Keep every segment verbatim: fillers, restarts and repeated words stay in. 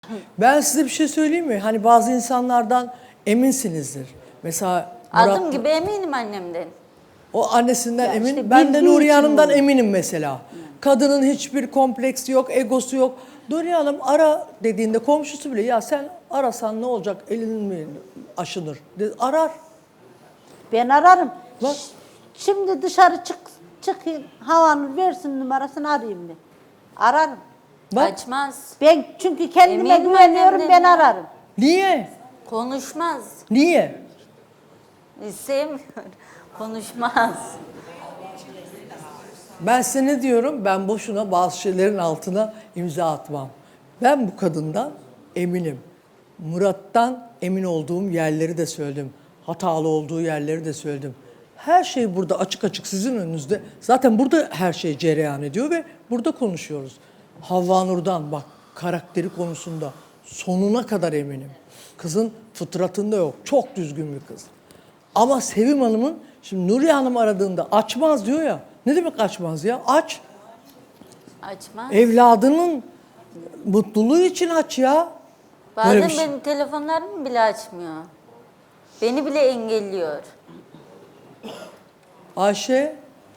Ben size bir şey söyleyeyim mi? Hani bazı insanlardan eminsinizdir. Mesela Murat, Adım gibi eminim annemden. o annesinden Ya emin. işte Ben de bildiği Nuriye için Hanım'dan oluyor. eminim mesela. Kadının hiçbir kompleksi yok, egosu yok. Nuriye Hanım ara dediğinde komşusu bile ya sen arasan ne olacak, elinin mi aşınır? De, arar. Ben ararım. Bak. Ş- Şimdi dışarı çık çıkayım. Havanur versin numarasını arayayım ben. Ararım. Bak. Açmaz. Ben çünkü kendime Eminim güveniyorum, annemden ben ya. ararım. Niye? Konuşmaz. Niye? Sevmiyor. Konuşmaz. Ben size ne diyorum? Ben boşuna bazı şeylerin altına imza atmam. Ben bu kadından eminim. Murat'tan emin olduğum yerleri de söyledim. Hatalı olduğu yerleri de söyledim. Her şey burada açık açık sizin önünüzde. Zaten burada her şey cereyan ediyor ve burada konuşuyoruz. Havva Nur'dan bak karakteri konusunda sonuna kadar eminim. Kızın fıtratında yok. Çok düzgün bir kız. Ama Sevim Hanım'ın, şimdi Nuriye Hanım aradığında açmaz diyor ya. Ne demek açmaz ya? Aç. Açmaz. Evladının mutluluğu için aç ya. Bazen Böyle bir şey- benim telefonlarımı bile açmıyor. Beni bile engelliyor. Ayşe,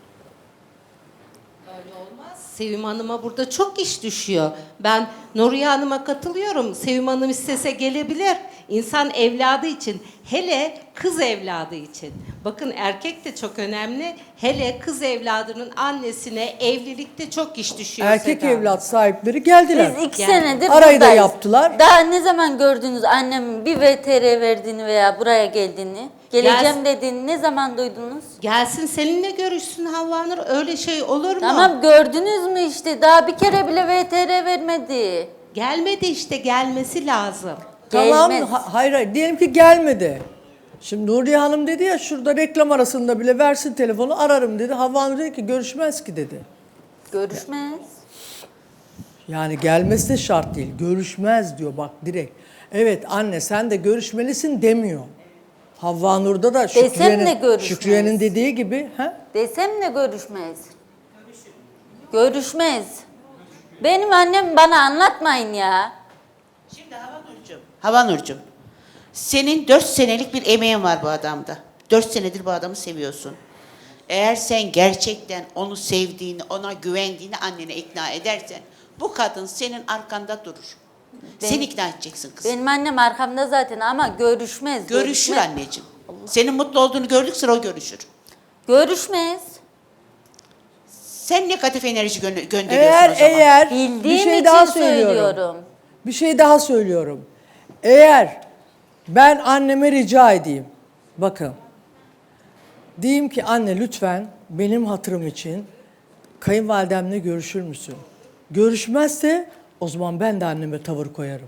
Sevim Hanım'a burada çok iş düşüyor. Ben Nuriye Hanım'a katılıyorum. Sevim Hanım istese gelebilir. İnsan evladı için, hele kız evladı için. Bakın erkek de çok önemli. Hele kız evladının annesine evlilikte çok iş düşüyor. erkek Seda Hanım. evlat sahipleri geldiler. Biz iki Yani senedir arayı da buradayız. yaptılar. Daha ne zaman gördünüz annemin bir V T R verdiğini veya buraya geldiğini? Geleceğim Gel- dediğini ne zaman duydunuz? Gelsin seninle görüşsün Havva Nur. Öyle şey olur mu? Tamam gördünüz mü işte daha bir kere bile V T R vermedi. Gelmedi işte, gelmesi lazım. Tamam, Gelmez. ha- hayır hayır diyelim ki gelmedi. Şimdi Nuriye Hanım dedi ya şurada reklam arasında bile versin telefonu ararım dedi. Havva Hanım dedi ki görüşmez ki dedi. Görüşmez. Yani gelmesi de şart değil. Görüşmez diyor bak direkt. Evet anne sen de görüşmelisin demiyor. Havva Nur'da da Desem de Şükriye'nin, görüşmez. Şükriye'nin dediği gibi. He? Desem de görüşmez. Görüşmez. Benim annem bana anlatmayın ya. Şimdi Havanurcuğum, Havanurcuğum, senin dört senelik bir emeğin var bu adamda. Dört senedir bu adamı seviyorsun. Eğer sen gerçekten onu sevdiğini, ona güvendiğini annene ikna edersen, bu kadın senin arkanda durur. Ben- Sen ikna edeceksin kızım. Benim annem arkamda zaten ama görüşmez. Görüşür görüşmez. anneciğim. Senin mutlu olduğunu gördükçe o görüşür. Görüşmez. Sen negatif enerji gö- gönderiyorsun Eğer o zaman. eğer Bildiğim bir şey için daha söylüyorum. söylüyorum. Bir şey daha söylüyorum. Eğer ben anneme rica edeyim. Bakın. Diyeyim ki anne lütfen benim hatırım için kayınvalidemle görüşür müsün? Görüşmezse o zaman ben de anneme tavır koyarım.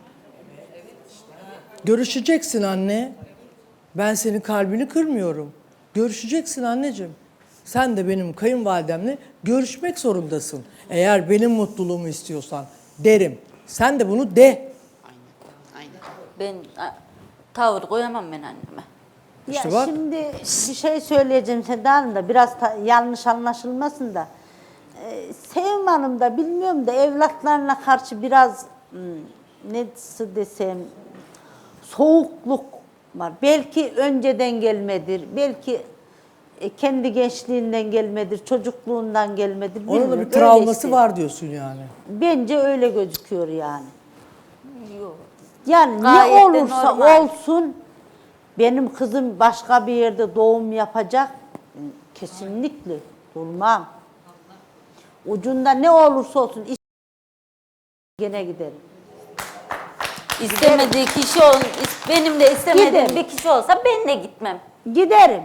Görüşeceksin anne. Ben senin kalbini kırmıyorum. Görüşeceksin anneciğim. Sen de benim kayınvalidemle görüşmek zorundasın. Eğer benim mutluluğumu istiyorsan derim. Sen de bunu de. Aynen. Ben a, tavır koyamam ben anneme. İşte ya bak. şimdi bir şey söyleyeceğim Seda Hanım da biraz ta- yanlış anlaşılmasın da. Ee, Sevim Hanım da bilmiyorum da evlatlarına karşı biraz hmm, nasıl desem soğukluk var. Belki önceden gelmedir. Belki e, kendi gençliğinden gelmedir, çocukluğundan gelmedir. Onun da bilmiyorum. bir Öyle travması işte. var diyorsun yani. Bence öyle gözüküyor yani. Yok. Yani Gayet ne de olursa normal. olsun benim kızım başka bir yerde doğum yapacak. Kesinlikle durmam. Ucunda ne olursa olsun is- gene giderim. İstemediği kişi ol, is- benim de istemediğim Giderim. bir kişi olsa ben de gitmem. Giderim.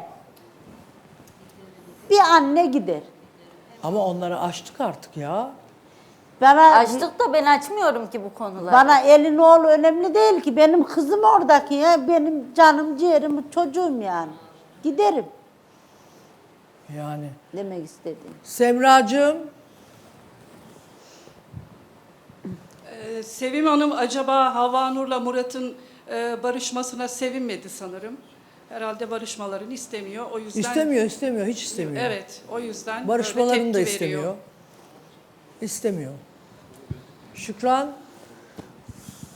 Bir anne gider. Ama onları açtık artık ya. Bana Açtık da ben açmıyorum ki bu konuları. bana elin oğlu önemli değil ki. Benim kızım oradaki ya. Benim canım, ciğerim, çocuğum yani. Giderim Yani. demek istedim. Semracığım. Ee, Sevim Hanım acaba Havva Nur'la Murat'ın e, barışmasına sevinmedi sanırım. Herhalde barışmalarını istemiyor. O yüzden İstemiyor, istemiyor, hiç istemiyor. Evet, o yüzden böyle Barışmalarını da tepki istemiyor. veriyor. İstemiyor. Şükran,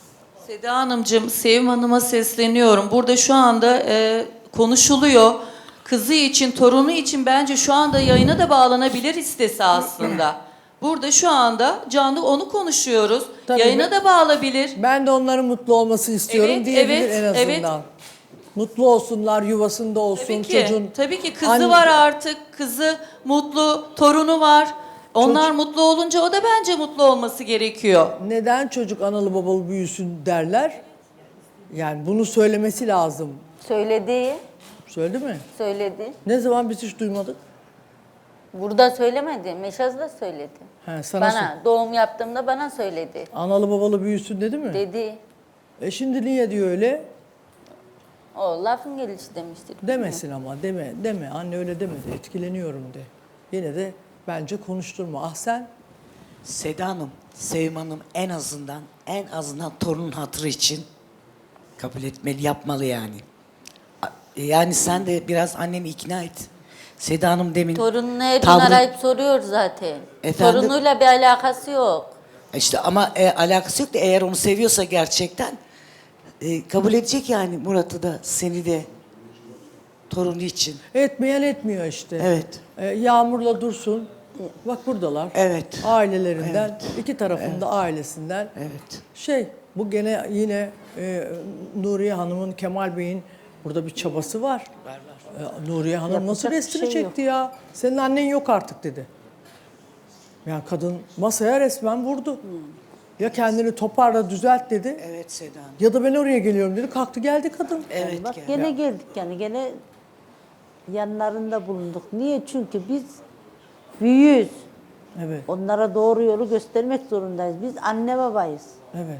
Seda Hanımcığım, Sevim Hanım'a sesleniyorum. Burada şu anda e, konuşuluyor. Kızı için, torunu için bence şu anda yayına da bağlanabilir istese aslında. Burada şu anda canlı onu konuşuyoruz. Tabii yayına ben- da bağlanabilir. Ben de onların mutlu olmasını istiyorum Evet, diyebilir evet, en azından. evet. Mutlu olsunlar, yuvasında olsun Tabii ki, çocuğun. tabii ki kızı Anne- var artık, kızı mutlu, torunu var. Onlar mutlu olunca o da bence mutlu olması gerekiyor. Neden çocuk analı babalı büyüsün derler? Yani bunu söylemesi lazım. Söyledi, Söyledi mi? söyledi. Ne zaman biz hiç duymadık? Burada söylemedi, Meşaz'da söyledi. He, sana Bana, doğum yaptığımda bana söyledi. sor- analı babalı büyüsün dedi mi? Dedi, E şimdi niye diyor öyle? o lafın gelişi demiştir. Demesin ama deme deme anne öyle demedi etkileniyorum de. Yine de bence konuşturma. Ah sen Seda Hanım, Sevim Hanım en azından en azından torunun hatırı için kabul etmeli, yapmalı yani. A- Yani sen de biraz anneni ikna et. Seda Hanım demin Torununu her gün tavrı- arayıp soruyor zaten. Efendim? Torunuyla bir alakası yok. işte ama e, alakası yok da eğer onu seviyorsa gerçekten e, kabul edecek yani Murat'ı da seni de torunu için. etmeyen etmiyor işte. Evet. E, Yağmur'la Dursun. Bak buradalar. Evet. Ailelerinden, iki tarafında ailesinden. Evet. Şey, bu gene yine e, Nuriye Hanım'ın, Kemal Bey'in burada bir çabası var. E, Nuriye Hanım Yapacak nasıl bir resmini şey yok. çekti ya? Senin annen yok artık dedi. Yani kadın masaya resmen vurdu. Ya kendini toparla düzelt dedi. Evet Seda Hanım. Ya da ben oraya geliyorum dedi. Kalktı geldi kadın. Evet. Bak gel. gene geldik yani gene yanlarında bulunduk. Niye? Çünkü biz büyüğüz. Evet, Onlara doğru yolu göstermek zorundayız. Biz anne babayız. evet.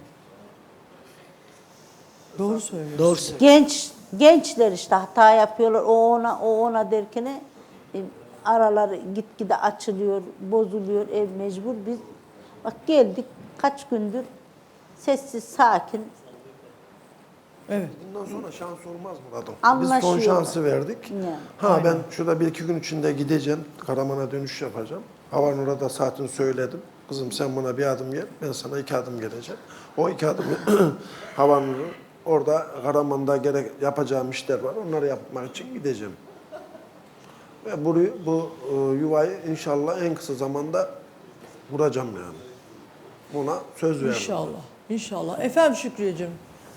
Doğru söylüyorsun. Doğru söylüyorsun. Genç gençler işte hata yapıyorlar. O ona o ona derken e, araları gitgide açılıyor, bozuluyor, ev mecbur. Biz bak geldik kaç gündür sessiz, sakin. Evet. Bundan sonra şans olmaz Murat'ım. Biz Anlaşıyorlar. son şansı verdik. Yani. Ha ben şurada bir iki gün içinde gideceğim. Karaman'a dönüş yapacağım. Havanur'a da saatini söyledim. Kızım sen buna bir adım gel, ben sana iki adım geleceğim. O iki adım Havanur'u orada Karaman'da gerek yapacağım işler var. Onları yapmak için gideceğim. Ve bu, bu e, yuvayı inşallah en kısa zamanda kuracağım yani. Buna söz verdim. İnşallah. İnşallah. Efendim Şükriyeciğim.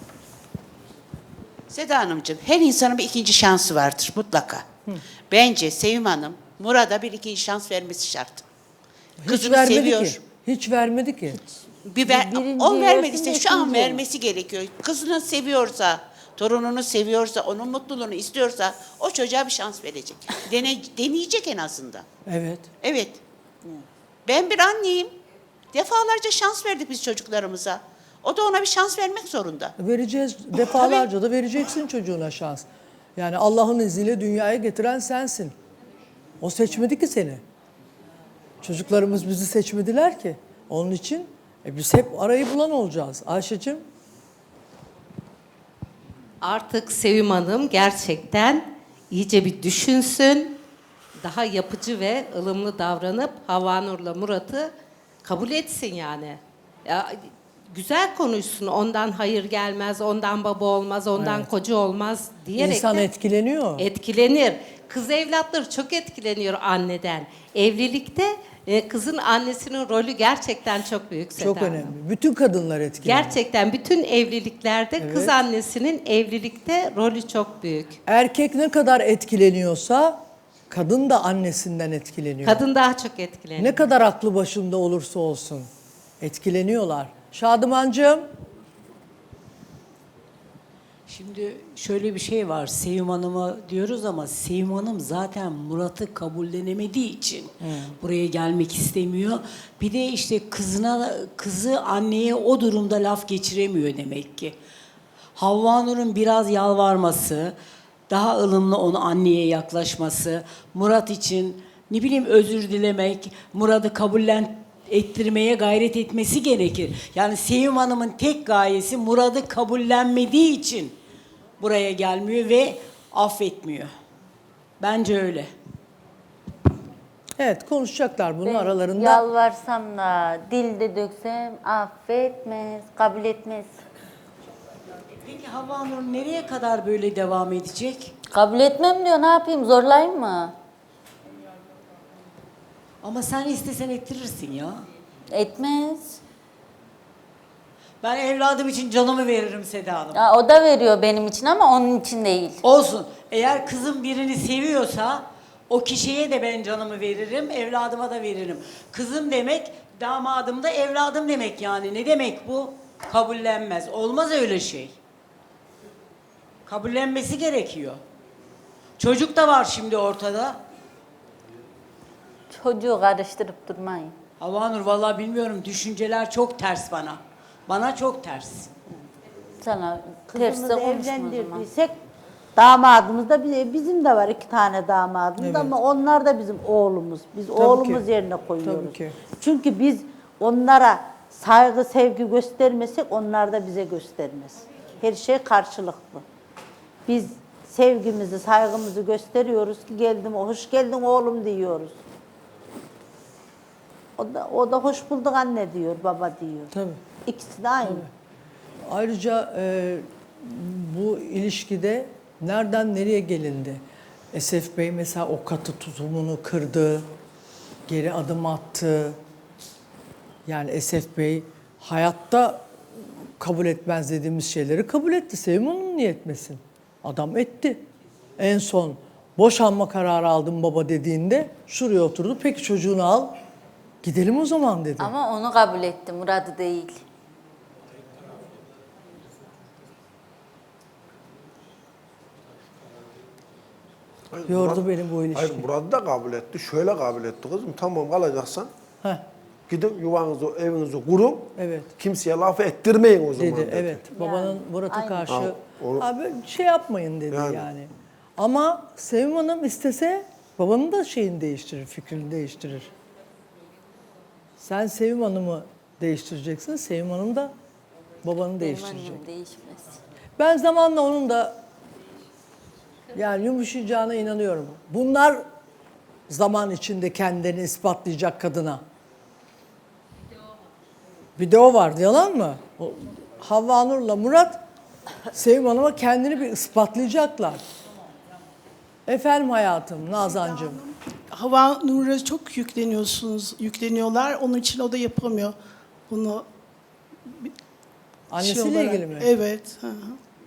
Seda Hanımcığım, her insanın bir ikinci şansı vardır mutlaka. Bence Sevim Hanım, Murat'a bir ikinci şans vermesi şart. Hiç Kızını vermedi seviyor. ki. Hiç vermedi ki. Bir ver, Birinci o versin vermediyse de şu an ikinci. vermesi gerekiyor. Kızını seviyorsa, torununu seviyorsa, onun mutluluğunu istiyorsa o çocuğa bir şans verecek. Dene, deneyecek en azından. Evet. Evet. Ben bir anneyim. Defalarca şans verdik biz çocuklarımıza. O da ona bir şans vermek zorunda. Vereceğiz. Defalarca da vereceksin çocuğuna şans. Yani Allah'ın izniyle dünyaya getiren sensin. O seçmedi ki seni. Çocuklarımız bizi seçmediler ki. Onun için e, biz hep arayı bulan olacağız. Ayşe'cim. Artık Sevim Hanım gerçekten iyice bir düşünsün. Daha yapıcı ve ılımlı davranıp Havanur'la Murat'ı kabul etsin yani. Ya, güzel konuşsun. Ondan hayır gelmez, ondan baba olmaz, ondan koca olmaz diyerek İnsan de etkileniyor. etkilenir. Kız evlatları çok etkileniyor anneden. Evlilikte e, kızın annesinin rolü gerçekten çok büyük Seda Çok Hanım. önemli. Bütün kadınlar etkileniyor. Gerçekten bütün evliliklerde kız Evet. annesinin evlilikte rolü çok büyük. Erkek ne kadar etkileniyorsa kadın da annesinden etkileniyor. Kadın daha çok etkileniyor. Ne kadar aklı başında olursa olsun etkileniyorlar. Şadımancığım. Şimdi şöyle bir şey var. Sevim Hanım'a diyoruz ama Sevim Hanım zaten Murat'ı kabullenemediği için buraya gelmek istemiyor. Bir de işte kızına kızı anneye o durumda laf geçiremiyor demek ki. Havva Nur'un biraz yalvarması, daha ılımlı onu anneye yaklaşması, Murat için ne bileyim özür dilemek, Murat'ı kabullen ettirmeye gayret etmesi gerekir. Yani Sevim Hanım'ın tek gayesi Murat'ı kabullenmediği için buraya gelmiyor ve affetmiyor. Bence öyle. Evet konuşacaklar bunu Ben aralarında. Yalvarsam da dilde döksem affetmez, kabul etmez. Peki Havva Nur nereye kadar böyle devam edecek? Kabul etmem diyor, ne yapayım, zorlayayım mı? Ama sen istesen ettirirsin ya. Etmez. Ben evladım için canımı veririm Seda Hanım. Ya, o da veriyor benim için ama onun için değil. Olsun. Eğer kızım birini seviyorsa o kişiye de ben canımı veririm, evladıma da veririm. Kızım demek, damadım da evladım demek yani. Ne demek bu? Kabullenmez. Olmaz öyle şey. Kabullenmesi gerekiyor. Çocuk da var şimdi ortada. Çocuğu karıştırıp durmayın. Havva Nur vallahi bilmiyorum, düşünceler çok ters bana. Bana çok ters. Sana terste Kızımızı konuşma o zaman. evlendirdiysek damadımız da bize- bizim de var iki tane damadımız Evet. ama onlar da bizim oğlumuz. Biz Tabii oğlumuz ki. yerine koyuyoruz. Tabii ki. Çünkü biz onlara saygı, sevgi göstermesek onlar da bize göstermez. Her şey karşılıklı. Biz sevgimizi, saygımızı gösteriyoruz ki geldim, hoş geldin oğlum diyoruz. O da, o da hoş bulduk anne diyor, baba diyor. Tabii. İkisi de aynı. Ayrıca e, bu ilişkide nereden nereye gelindi? Esef Bey mesela o katı tutumunu kırdı, geri adım attı. Yani Esef Bey hayatta kabul etmez dediğimiz şeyleri kabul etti. Sevim Hanım niye etmesin? Adam etti. En son boşanma kararı aldım baba dediğinde şuraya oturdu. Peki çocuğunu al, gidelim o zaman dedi. Ama onu kabul etti, Murat'ı değil. Hayır, Yordu Murat- beni bu ilişki. Hayır Murat da kabul etti. Şöyle kabul etti kızım. Tamam kalacaksan Heh, gidin yuvanızı, evinizi kurun. evet. Kimseye laf ettirmeyin o zaman Dedi, dedi. evet. Babanın Murat'a aynen. karşı Ha, onu- abi şey yapmayın dedi yani. Yani. Ama Sevim Hanım istese babanın da şeyini değiştirir, fikrini değiştirir. Sen Sevim Hanım'ı değiştireceksin, Sevim Hanım da babanı Benim değiştirecek. annem değişmez. Ben zamanla onun da yani yumuşayacağına inanıyorum. Bunlar zaman içinde kendilerini ispatlayacak kadına. Bir de o vardı, yalan mı? O, Havva Nur'la Murat Sevim Hanım'a kendini bir ispatlayacaklar. Efendim hayatım, Nazancığım. Hava Nur'a çok yükleniyorsunuz, yükleniyorlar. Onun için o da yapamıyor bunu. Annesiyle şey olarak. ilgili mi? Evet. hı hı.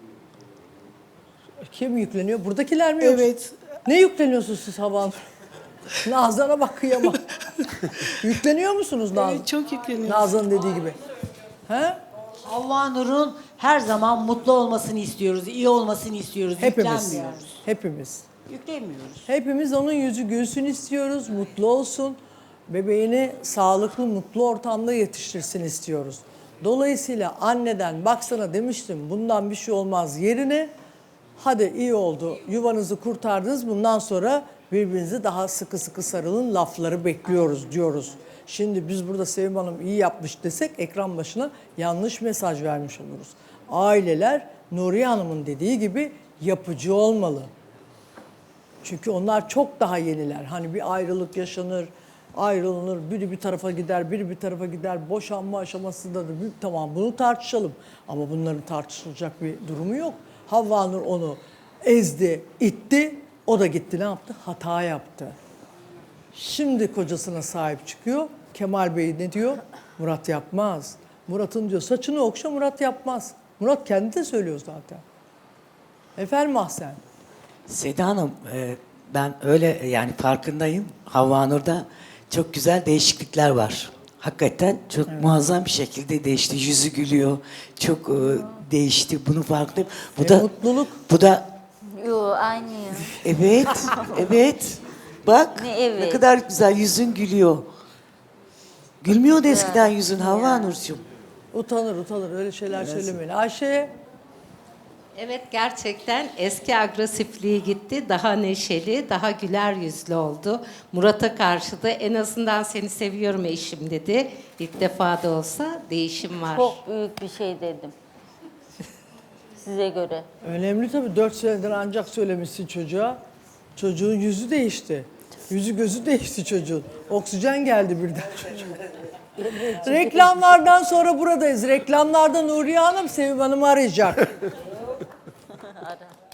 Kim yükleniyor? Buradakiler mi yoksa? Evet. Ne yükleniyorsunuz siz Havva Nur? Nazan'a bak kıyamam. Yükleniyor musunuz Nazan? Evet, çok yükleniyoruz. Nazan'ın dediği gibi. He? Havva Nur'un her zaman mutlu olmasını istiyoruz, iyi olmasını istiyoruz. Hepimiz. Yüklenmiyoruz. Hepimiz. Yüklemiyoruz. Hepimiz onun yüzü gülsün istiyoruz, mutlu olsun. Bebeğini sağlıklı, mutlu ortamda yetiştirsin istiyoruz. Dolayısıyla anneden baksana demiştim bundan bir şey olmaz yerine hadi iyi oldu yuvanızı kurtardınız bundan sonra birbirinizi daha sıkı sıkı sarılın lafları bekliyoruz diyoruz. Şimdi biz burada Sevim Hanım iyi yapmış desek ekran başına yanlış mesaj vermiş oluruz. Aileler Nuriye Hanım'ın dediği gibi yapıcı olmalı. Çünkü onlar çok daha yeniler. Hani bir ayrılık yaşanır, ayrılınır, biri bir tarafa gider, biri bir tarafa gider. Boşanma aşamasında da bir, tamam bunu tartışalım. Ama bunların tartışılacak bir durumu yok. Havva Nur onu ezdi, itti. O da gitti ne yaptı? Hata yaptı. Şimdi kocasına sahip çıkıyor. Kemal Bey ne diyor? Murat yapmaz. Murat'ın diyor saçını okşa Murat yapmaz. Murat kendi de söylüyor zaten. Efendim Ahsen. Seda Hanım, e, ben öyle yani farkındayım. Havva Nur'da çok güzel değişiklikler var. Hakikaten çok muazzam bir şekilde değişti. Yüzü gülüyor. Çok e, değişti. Bunu farkındayım. Bu E, da mutluluk. Bu da Yo aynı. evet, evet. Bak Ne evet? ne kadar güzel yüzün gülüyor. Gülmüyordu eskiden yüzün Havva Nurcuğum. Utanır utanır öyle şeyler söylemeyin. Ayşe Evet, gerçekten eski agresifliği gitti. Daha neşeli, daha güler yüzlü oldu. Murat'a karşı da en azından seni seviyorum eşim dedi. İlk defa da olsa değişim var. Çok büyük bir şey dedim. Size göre. önemli tabii dört senedir ancak söylemişsin çocuğa. Çocuğun yüzü değişti. Yüzü gözü değişti çocuğun. Oksijen geldi birden çocuğa. Reklamlardan sonra buradayız. Reklamlarda Nuriye Hanım Sevim Hanım'ı arayacak. ara.